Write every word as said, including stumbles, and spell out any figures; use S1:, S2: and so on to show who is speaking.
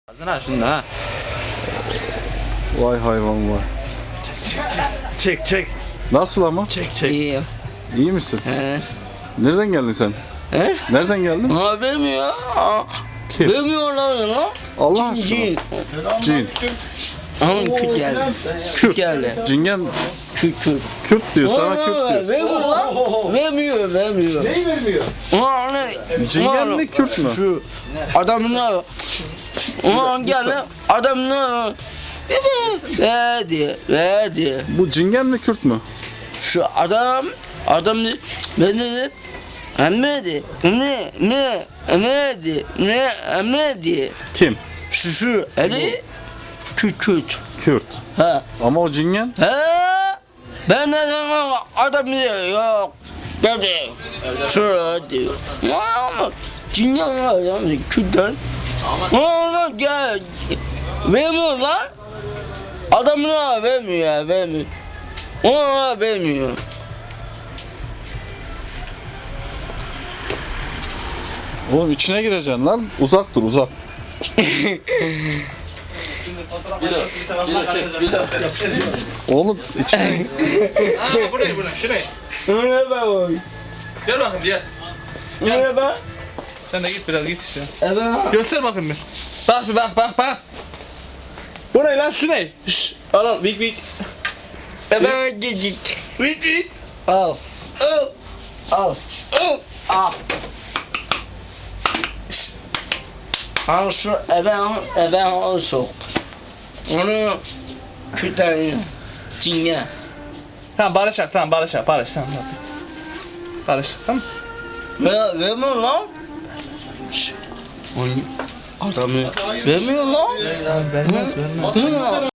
S1: Ağzına şunu ha.
S2: Vay hayvan vay.
S1: Çek çek.
S2: Nasıl ama?
S1: Çek çek.
S3: İyiyim.
S2: İyi misin?
S3: He.
S2: Nereden geldin sen?
S3: He?
S2: Nereden geldin?
S3: Ha vermiyor.
S2: Kim?
S3: Vermiyorlar lan.
S2: Allah aşkına.
S3: Cin.
S2: Cin.
S3: Ama Kürt geldi. Kürt geldi.
S2: Cingen
S3: Kürt Kürt.
S2: Kürt diyor, sana Kürt diyor.
S3: Vermiyor lan. Vermiyor vermiyor.
S4: Neyi vermiyor?
S3: Ulan ne?
S2: Cingen mi Kürt mü?
S3: Şu adamına. Ulan geldi. Adamına. Verdi. Verdi.
S2: Bu cingen mi Kürt mü?
S3: Şu adam. Adam ben dedim. Emredi. Ne? Ne? Emredi. Ne? Emredi.
S2: Kim?
S3: Şu şu. Ali. Kürt Kürt.
S2: Kürt.
S3: Ha.
S2: Ama o cingen
S3: He? Ben de sana adam diyor yok dedi. Şöyle diyor. Ama Cinyan var ya Kürt'ten. Ama gel. Vermiyor lan. Adamına vermiyor ya vermiyor. Ona vermiyor.
S2: oğlum içine gireceksin lan. Uzak dur uzak. Oğlum içine.
S1: Ha buraya buraya şuraya.
S3: Öyle ben oy.
S1: Gel bakayım gel.
S3: Öyle ben.
S1: Sen de git biraz git işte.
S3: Evet.
S1: Göster bakayım bir. Bak bir bak bak bak. Bu ne lan şu ne? Şşş. Al al vik vik.
S3: Evet gecik.
S1: Vik vik.
S3: Al.
S1: Al.
S3: Al.
S1: Al.
S3: Al. Al şu eve eve al sok. Onu kütahya Çin'e.
S1: Tamam barış yap tamam barış yap barış tamam. tamam. Barış tamam.
S3: Ver, vermiyor lan. Şşş. Onu adamı vermiyor lan.
S1: Vermez vermez.
S3: Hı?